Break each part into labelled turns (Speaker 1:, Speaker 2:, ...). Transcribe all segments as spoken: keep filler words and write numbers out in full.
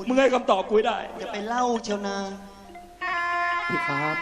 Speaker 1: มึงให้คำตอบกูได้
Speaker 2: อย่าไปเล่าเชียวนา
Speaker 3: พี่ครับ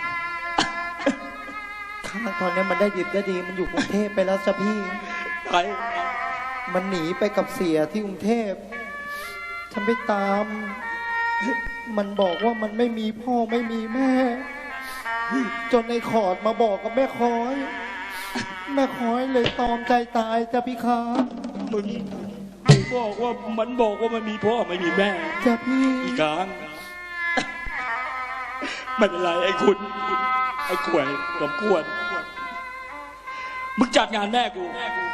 Speaker 3: ข้างตอนนี้มันได้ดิบได้ดีมันอยู่กรุงเทพไปแล้วจ้ะพี่
Speaker 1: ใคร
Speaker 3: มันหนีไปกับเสียที่กรุงเทพฉันไปตามมันบอกว่ามันไม่มีพ่อไม่มีแม่จนในขอดมาบอกกับแม่คอยแม่คอยเลยตอมใจตายจ้ะพี่ครับ
Speaker 1: มึงมึงบอกว่ามันบอกว่ามันมีพ่อไม่มีแม่
Speaker 3: จ้ะพี่
Speaker 1: อีกครั้งไม่เป็นไรไอ้คุณไอ้ขวยสมควรมึงจัดงานแม่กู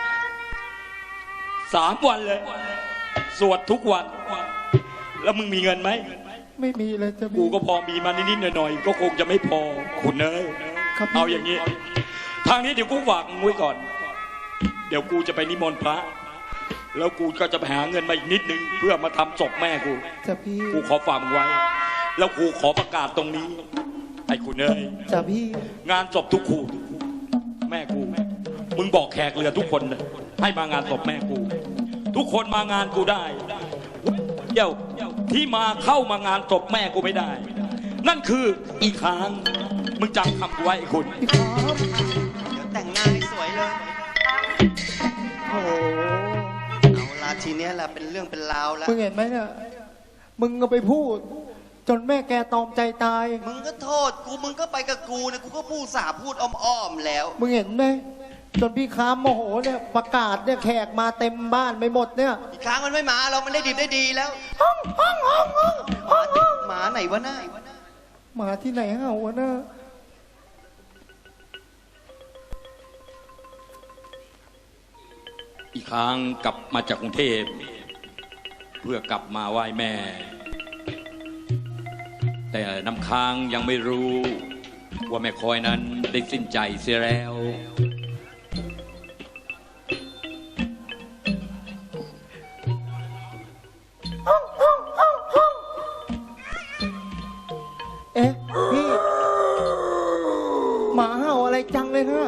Speaker 1: สามวันเลยสวดทุกวันแล้วมึงมีเงินไหม
Speaker 3: ไม่มีเลยจ้ะ
Speaker 1: กูก็พอมีมานิดๆหน่อยๆก็คงจะไม่พอคุณเนยเอาอย่างนี้ทางนี้เดี๋ยวกูฝากมึงไว้ก่อนเดี๋ยวกูจะไปนิมนต์พระแล้วกูก็จะไปหาเงินมาอีกนิดนึงเพื่อมาทำศพแม่กู
Speaker 3: จ้ะพี่
Speaker 1: กูขอฝากมึงไว้แล้วกูขอประกาศตรงนี้ไอ้คุณเนย
Speaker 3: จ้ะพี่
Speaker 1: งานศพทุกคู่แม่กูมึงบอกแขกเรือทุกคนเลยให้มางานศพแม่กูทุกคนมางานกูได้เดี๋ยวที่มาเข้ามางานศพแม่กูไม่ได้นั่นคืออีกครั้งมึงจำคำกูไว้ไอ้คุณ
Speaker 2: เดี๋ยวแต่งหน้าให้สวยเลย
Speaker 3: โอ้
Speaker 2: เอาละทีนี้แหละเป็นเรื่องเป็นราวแล้ว
Speaker 3: มึงเห็นไหมเนี่ยมึงก็ไปพูดจนแม่แกตอมใจตาย
Speaker 2: มึงก็โทษกูมึงก็ไปกับกูนะกูก็พูดสาพูดอ้อมๆแล้ว
Speaker 3: มึงเห็นไหมจนพี่ค้ามโมโหเนี่ยประกาศเนี่ยแขกมาเต็มบ้านไปหมดเนี่ย
Speaker 2: อีกครั้งมันไม่มาเรามันได้ดีได้ดีแล้วห้องห้องห้องห้องหมาไหนวะหน้า
Speaker 3: หมาที่ไหนเห่าวะหน้า
Speaker 1: อีกครั้งกลับมาจากกรุงเทพเพื่อกลับมาไหว้แม่แต่น้ำค้างยังไม่รู้ว่าแม่คอยนั้นได้สิ้นใจเสียแล้ว
Speaker 3: เอ๊ะพี่หมาเห่าอะไรจังเลยฮะ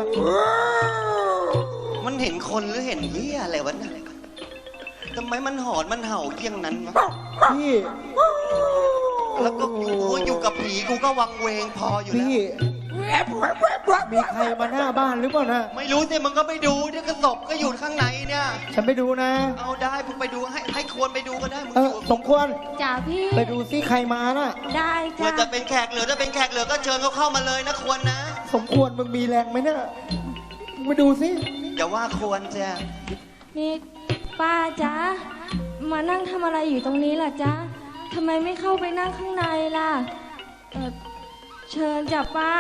Speaker 2: มันเห็นคนหรือเห็นเหี้ยอะไรวะเนี่ยทำไมมันหอนมันเห่าเยี่ยงนั้นวะ
Speaker 3: พี่
Speaker 2: แล้วก็กูอยู่กับผีกูก็วังเวงพออยู่แล้ว
Speaker 3: มีใครมาหน้าบ้านหรือเปล่านะ
Speaker 2: ไม่รู้สิมึงก็ไปดูเนี่ยกระสอบก็อยู่ข้างในเนี่ย
Speaker 3: ฉันไปดูนะ
Speaker 2: เอาได้มึงไปดูให้ให้ควรไปดูก็ได้มึงอยู่
Speaker 3: สมควร
Speaker 4: จ่าพี่
Speaker 3: ไปดูซิใครมาน่ะ
Speaker 4: ได้จ้า
Speaker 2: เมื่อจะเป็นแขกเหลือจะเป็นแขกเหลือก็เชิญเขาเข้ามาเลยนะควรนะ
Speaker 3: สมควรมึงมีแรงไหมเนี่ยมึงไปดูซิ
Speaker 2: อย่าว่าควรจ้ะ
Speaker 4: นี่ป้าจ๊ะมานั่งทำอะไรอยู่ตรงนี้ล่ะจ๊ะทำไมไม่เข้าไปนั่งข้างในล่ะเออเชิญจ้ะป้า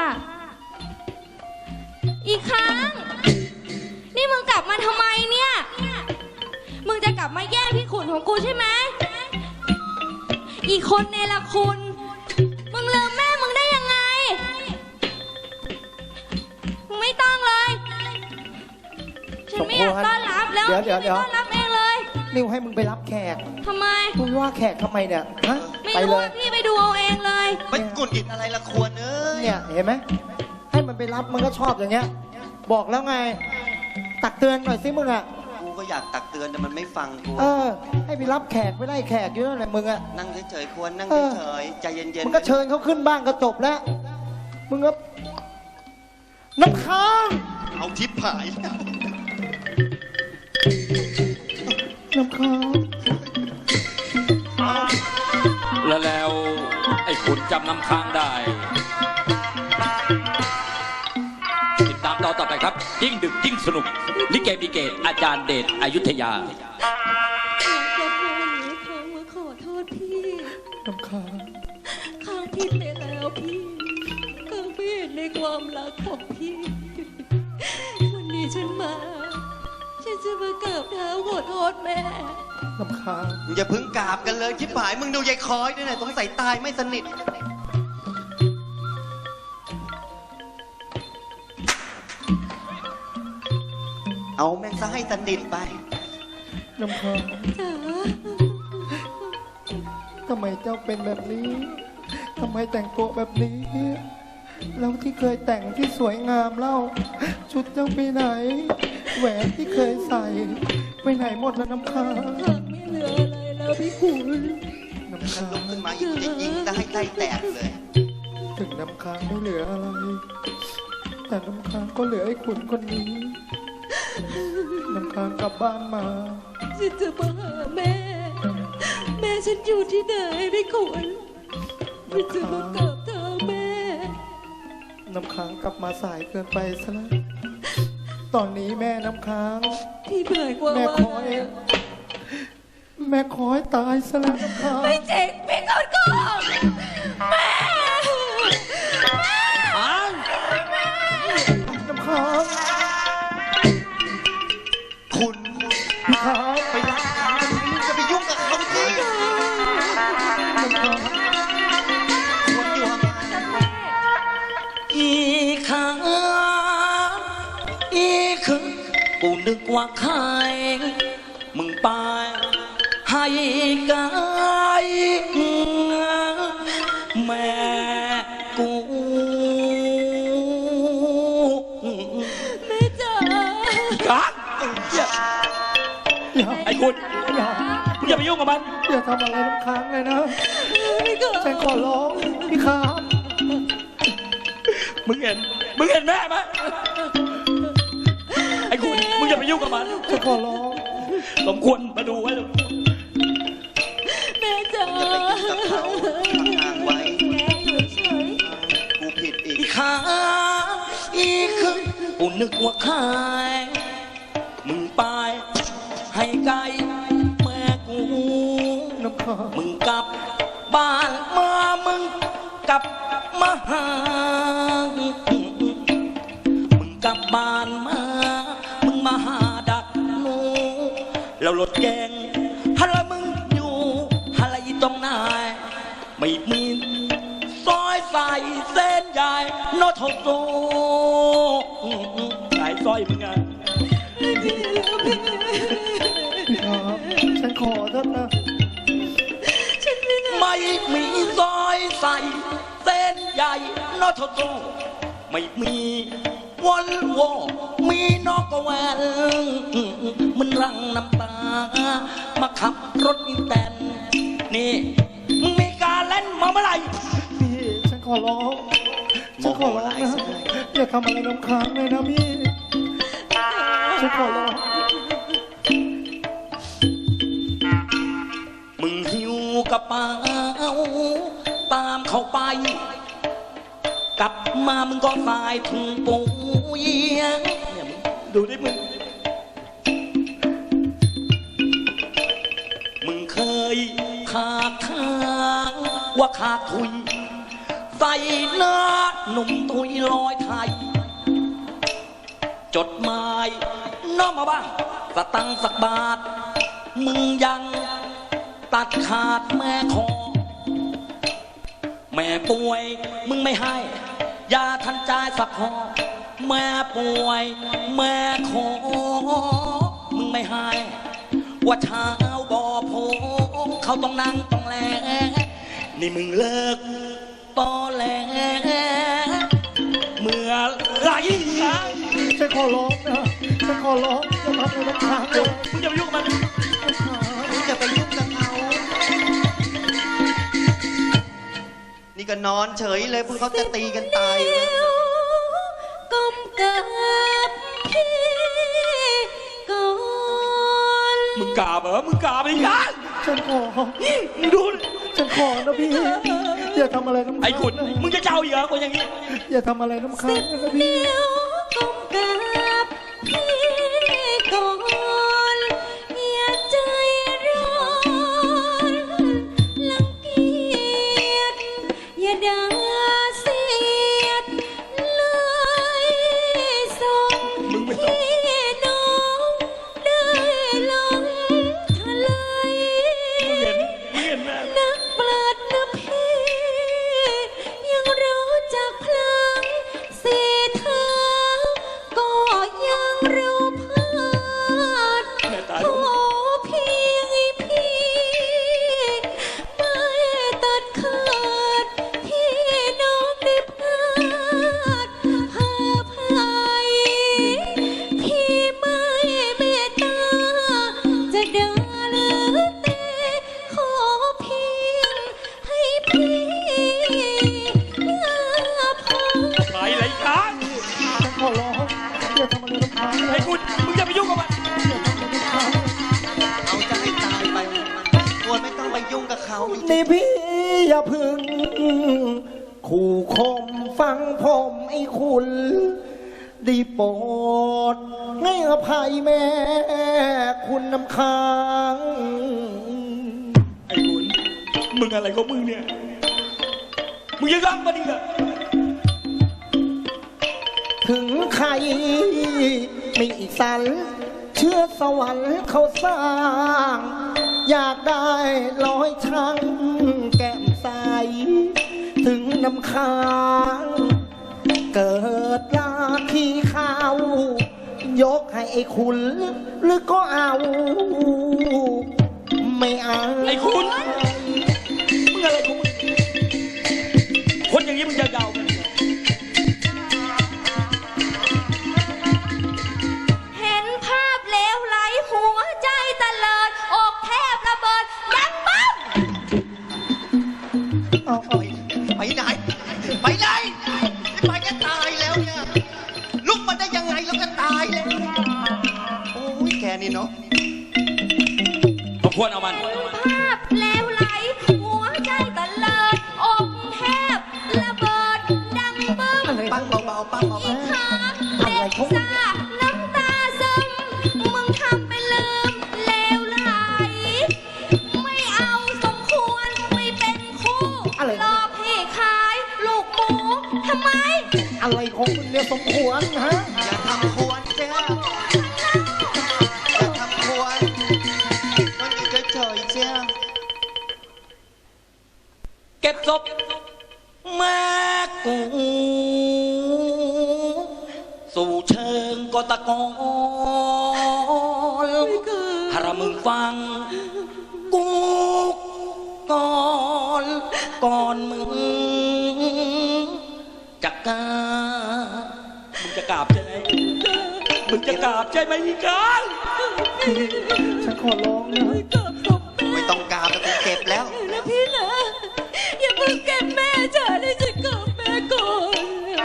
Speaker 4: อีกครั้งนี่มึงกลับมาทำไมเนี่ยมึงจะกลับมาแย่งพี่ขุนของกูใช่ไหมอีกคนเนรคุณมึงลืมแม่มึงได้ยังไงมึงไม่ต้องเลยฉันไม่อยากต้อนรับแล้ว
Speaker 3: เดี๋ยวเดี๋ยวเดี๋ยว
Speaker 4: ต้อนรับเองเลย
Speaker 3: นิวให้มึงไปรับแขก
Speaker 4: ทำไม
Speaker 3: มึงว่าแขกทำไมเนี่ยฮะ
Speaker 4: ไม่รู้พี่ไปดูเอาเองเลย
Speaker 2: ไปกุนกินอะไรละควรเอ้ย
Speaker 3: เนี่ยเห็นไหมให้มันไปรับมันก็ชอบอย่างเงี้ยบอกแล้วไงตักเตือนหน่อยสิมึงอ่ะ
Speaker 2: กูก็อยากตักเตือนแต่มันไม่ฟังกู
Speaker 3: เออให้ไปรับแขกไม่ไล่แขกอยู่นั่นแหละมึงอ่ะ
Speaker 2: นั่งเฉยๆควรนั่งเฉยๆใจเย็นๆ
Speaker 3: มึงก็เชิญเขาขึ้นบ้านก็จบแล้วมึงก็น้ำค้าง
Speaker 2: เอาทิพย์ผาย
Speaker 3: น้ำค้าง
Speaker 1: แล้วแล้วไอ้ขุนจำน้ำค้างได้ติดตามต่อต่อไปครับยิ่งดึกยิ่งสนุกลิเกบิเกตอาจารย์เดชอยุธยา
Speaker 4: ขอโทษพี่
Speaker 3: น้ำค้าง
Speaker 4: ข้างผิดไปแล้วพี่ข้างไม่เห็นในความรักของพี่วันนี้ฉันมาฉันจะมากราบเท้าขอโทษแม่
Speaker 3: น้ำค้าง
Speaker 2: อย่าเพิ่งกราบกันเลยชิบหายมึงดูยายคอยด้วยนะต้องใส่ตายไม่สนิทเอาแม่งซะให้สนิทไป
Speaker 3: น้ำค้าง
Speaker 4: จ๋า
Speaker 3: ทำไมเจ้าเป็นแบบนี้ทำไมแต่งตัวแบบนี้แล้วที่เคยแต่งที่สวยงามเล่าชุดเจ้าไปไหนแหวนที่เคยใส่ไปไหนหมดแล้วน้ำค้าง
Speaker 4: ไม่เหลืออะไรแล้วพี่ขุน
Speaker 3: น้
Speaker 2: นะถ้าลุกขึ้นมาอีกกูจะยิงได้ให้ไส้แตกเลย
Speaker 3: ถึงน้ำค้างไม่เหลืออะไร แต่น้ำค้างก็เหลือไอ้ขุนคนนี้ น้ำค้างกลับบ้านมา
Speaker 4: ฉันจะมาหาแม่ แม่ฉันอยู่ที่ไหนพี่ขุนฉันจะมากราบเท้าแม่
Speaker 3: น้ำค้างกลับมาสายเกินไปซะแล้ว ตอนนี้แม่น้ำค้าง
Speaker 4: พี่หมายความ
Speaker 3: แม่
Speaker 4: ว่า
Speaker 3: คอย แม่คอยตายซะแล้วน้ำค้าง
Speaker 4: ไม่เจ๊งพี่ขุนก็แม่
Speaker 1: อ้าง
Speaker 3: น้ำค้าง
Speaker 2: คุณ
Speaker 3: น้ำค้าง
Speaker 2: ไปรักเขาจะไปยุ่งกับเขาสิ
Speaker 3: น้ำค้าง
Speaker 2: ควรอยู่ห่าง
Speaker 1: อีข้างอีคือกูนึกว่าใครมึงไปให้ไกลแม่กู
Speaker 4: แม่จ๋า
Speaker 1: กันอย่า
Speaker 3: อย่า
Speaker 1: ไอ้คุณ
Speaker 3: อย่า
Speaker 1: มึงอย่าไปยุ่งกับมัน
Speaker 3: อย่าทำอะไรน้ำค้างเลยนะ
Speaker 4: พี่ขุน
Speaker 3: ฉันขอร้องพี่ค้าง
Speaker 1: มึงเห็น มึงเห็นแม่ไหมไอ้คุณ มึงอย่าไปยุ่งกับมัน
Speaker 3: ฉันขอร้อง
Speaker 1: สมควรมาดูไว้เลย
Speaker 4: แม่จ๋า
Speaker 2: อย่าไปยุ่งกับเขาห่างๆไว้
Speaker 4: แม่อยู่เฉย
Speaker 2: กูผิดอีก
Speaker 1: อีขาอีคือกูนึกว่าใครมึงไปให้ไกลแม่กู
Speaker 3: น้ำค้าง
Speaker 1: มึงกลับบ้านมามึงกลับมาหามึงกลับบ้านมามึงมาหาดักหนูแล้วรถแกงฮัลโหลมึงอยู่ฮัลโหลตรงไหนไม่มีซอยใส่เส้นใหญ่โนโทโซสายซอยมึงไง
Speaker 3: พี่ค้างฉันขอเถอะนะ
Speaker 1: ไม่มีซอยใส่เส้นใหญ่โนโทโซไม่มีวันวอมีนอกกแวนมันรังน้ำตา มาขับรถอีแตนนี่มึงมีการเล่นมาเมื่อไหร่
Speaker 3: พี่ฉันขอร้องฉันขอร้องนะอย่าทำอะไรน้ำค้างเลยนะพี่ฉันขอร้อง
Speaker 1: มึงหิวกระเป๋าตามเขาไป กลับมามึงก็สายถุงปุ๋ยเนี่ยมึงดูดิมึง มึงเคยขาดทางว่าขาดทุย ใส่หน้าหนุ่มทุยลอยไทย จดหมายน้อมมาบ้างสตังค์สักบาท มึงยังตัดขาดแม่คอ แม่ป่วยมึงไม่ให้ยาทันใจายสักหอแม่ป่วยแม่ขอมึงไม่ให้ว่าเช้าบ่อโพเขาต้องนั่งต้องแลนี่มึงเลิกตอแหลเมื่อไหรนะ
Speaker 3: ฉันขอร้องนะฉันขอร้องอย่าทำอะไรน้ำค้างเล
Speaker 1: เดี๋ยวย มึงอย่าไปยุ่งกับมัน
Speaker 2: มึงจะไปยุ่งกับเขานี่ก็นอนเฉยเลยพวกเขาจะตีกันตายอยู่แล้ว
Speaker 4: ก้มกับพี่ก่อน
Speaker 1: มึงกราบเหรอมึงกราบอีกอ่ะ
Speaker 3: ฉันขอ
Speaker 1: มึงดูดิ
Speaker 3: ฉันขอนะพี่ อย่าทำอะไรน้ำค้าง
Speaker 1: ไอ้ขุน
Speaker 3: นะ
Speaker 1: มึงจะเจ้าอีกเหรอคนอย่างนี้
Speaker 3: อย่าทำอะไรน้ำค้างนะพี่
Speaker 4: เดี๋ยวก้มกับพี่ก่อนอย่าใจร้อนรังเกียจอย่าด่าเสียดเลยส่ง
Speaker 1: มึงไม่ต้อง
Speaker 4: พี่น้องได้ลงทะเล
Speaker 1: มึงเห็นมึงเห็นแม่
Speaker 4: นักปราชญ์นะพี่ ยังรู้จักพลังสีเท้าก่อ
Speaker 3: นี่พี่อย่าพึ่งขู่คมฟังผมไอ้คุณได้โปรดให้อภัยแม่คุณน้ำค้าง
Speaker 1: ไอ้คุณมึงอะไรของมึงเนี่ยมึงยังรักมันอีกเหรอ
Speaker 3: ถึงใครไม่สันเชื่อสวรรค์เขาสร้าง อยากได้ร้อยช่างแก้มใสถึงน้ำค้างเกิดลาขี้ข้าวยกให้ไอ้คุณหรือก็เอา ไม่เอา
Speaker 1: ไอ้คุณมึงอะไรของมึงคนอย่างนี้มึงจะเดากัน
Speaker 4: เห็นภาพเลวไหลหัวใจตะเลิดอกแทบระเบิดดังบ้าง
Speaker 3: เอา
Speaker 2: ไป
Speaker 3: เอา
Speaker 2: ไปไหนไปไหนไปจะตายแล้วเนี่ยลุกมาได้ยังไงแล้วก็ตายแล้วโอ้ยแกนี่เนาะ
Speaker 1: สมควรเอามัน
Speaker 4: ภาพเลวไหลหัวใจตะเลิดอกแทบระเบิดดังบึ้ม
Speaker 3: อะไร
Speaker 2: ปั้งเบาๆปั้งเบา
Speaker 4: อีกขาเด็กซ่าน้ำตาซึมมึงทำเป็นลืมเลวไหลไม่เอาสมควรไม่เป็นคู่รอพี่ขายลูกหมูทำไม
Speaker 3: อะไรของคุณเนี่ยสมควรฮะ
Speaker 2: ๆอย่าทำควรเจ้าอย่าทำควรมันอยู่เฉยๆเจ้า
Speaker 1: เก็บศพแม่กูสู่เชิงกตะกอนถ้ามึงฟังกูก่อนก่อนมึงจะกราบมึงจะกราบใช่ไหมมึงจะกราบใช่ไหมอีกา
Speaker 3: ฉันขอร้องนะ
Speaker 2: ไม่ต้องกราบแต่กูเก็บแล้ว
Speaker 4: นะพี่นะอย่าเพิ่งเก็บแม่จ๋าได้จะกลับแม่ก่อน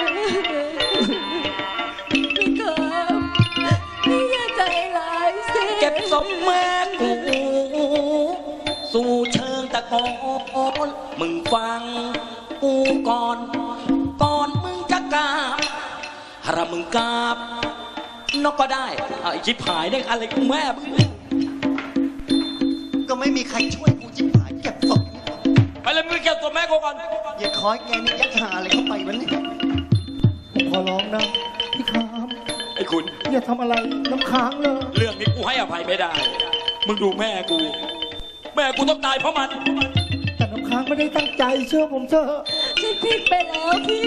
Speaker 4: พี่กับพี่อย่าใจร้ายสิ
Speaker 1: เก็บศพแม่กูสู่เชิงตะกอนมึงฟังกูก่อนก่อนมึงจะกราบถ้ามึงกราบนกก็ได้เอาไอ้ชิบหายได้อะไรกูแม่มึง
Speaker 2: ก็ไม่มีใครช่วยกูจิบหายเก็บศพ
Speaker 1: ไปเลยมึงเก็บศพแม่กูก่อน
Speaker 2: อย่าคอยแกนี่ยัดหาอะไรเข้าไปวะเนี่ย
Speaker 3: ผมขอร้องนะพี่คราม
Speaker 1: ไอ้คุณ
Speaker 3: อย่าทำอะไรน้ำค้างเลย
Speaker 1: เรื่องนี้กูให้อภัยไม่ได้ มึงดูแม่กู แม่กูต้องตายเพราะมัน
Speaker 3: แต่น้ำค้างไม่ได้ตั้งใจเชื่อผมเถอะ
Speaker 4: ฉันผิดไปแล้วพี่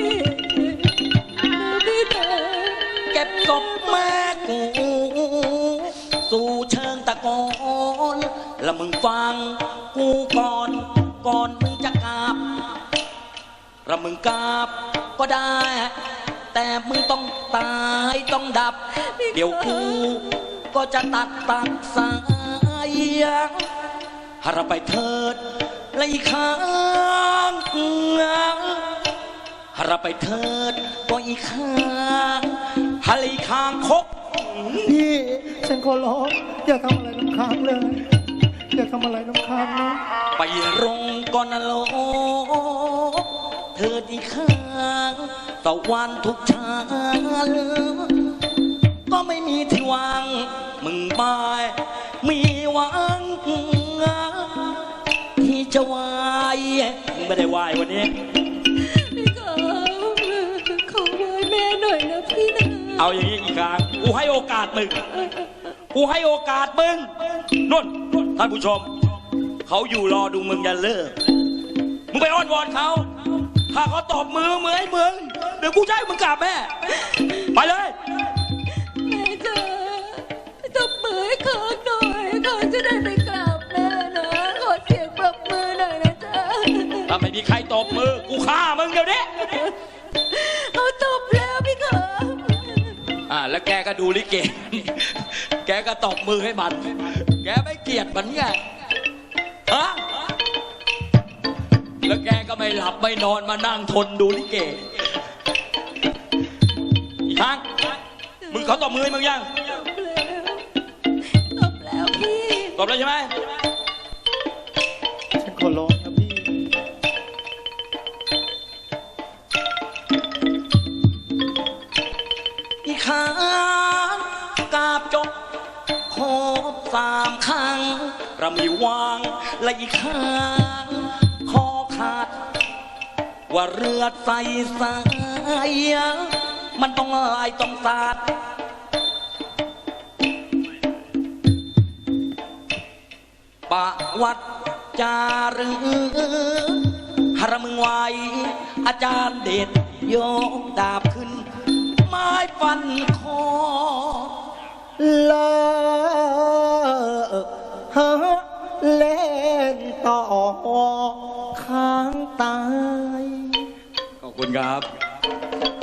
Speaker 4: พี่นะ
Speaker 1: เก็บศพแม่กู สู่เชิงตะกอนแล้วมึงฟังกูก่อนก่อนมึงจะกราบแล้วมึงกราบก็ได้ แต่มึงต้องตายต้องดับ เดี๋ยวกูก็จะตัดตัดสายหาเราไปเถิดไล่ค้างหาเราไปเถิดก็อีกข้างหาไล่ค้างคก
Speaker 3: พี่ฉันขอร้องอย่าทำอะไรน้ำค้างเลยอย่าทำอะไรน้ำค้างนะ
Speaker 1: ไปรงก่อนนะโลกเธอดีข้างตะวันทุกชาลก็ไม่มีที่วางมึงบายมีหวังที่จะวายมึงไม่ได้วายวันนี้
Speaker 4: พี่กับขอไว้แม่หน่อยนะพี่นะ
Speaker 1: เอาอย่างนี้อีกครั้งกูให้โอกาสมึงกูให้โอกาสมึงนุ่นท่านผู้ชมเขาอยู่รอดูมึงอย่าเลิกมึงไปอ้อนวอนเขาถ้าเขาตบมือมือให้มึงเดี๋ยวกูจะให้มึงกราบแม่ ไปเลย
Speaker 4: แม่จ๋าตบมือให้เขาหน่อยเขาจะได้ไปกราบแม่นะขอเสียงปรบมือหน่อยนะจ๊ะ
Speaker 1: ถ้าไม่มีใครตบมือกูฆ่ามึงเดี๋ยวนี้
Speaker 4: เขาตบแล้วพี่ครับ
Speaker 1: อ่าแล้วแกก็ดูลิเก แกก็ตบมือให้มัน แกไม่เกลียดมันไงฮะแล้วแกก็ไม่หลับไม่นอนมานั่งทนดูลิเก อีกครั้งมึงเขาตบมือให้มึงยัง
Speaker 4: ตบแล้วพี่
Speaker 1: ตบแล้วใช่ไหม
Speaker 3: ฉันขอร้องนะพี่
Speaker 1: กระมีวางและอีกข้างคอขาดว่าเรือใส่สายมันต้องลายต้องสาดปะวัดจารึหรมึงไว้อาจารย์เด็ดโยกดาบขึ้นไม้ฟันคอ
Speaker 3: เลอฮะเล่นต่อค้างตาย
Speaker 1: ขอบคุณครับ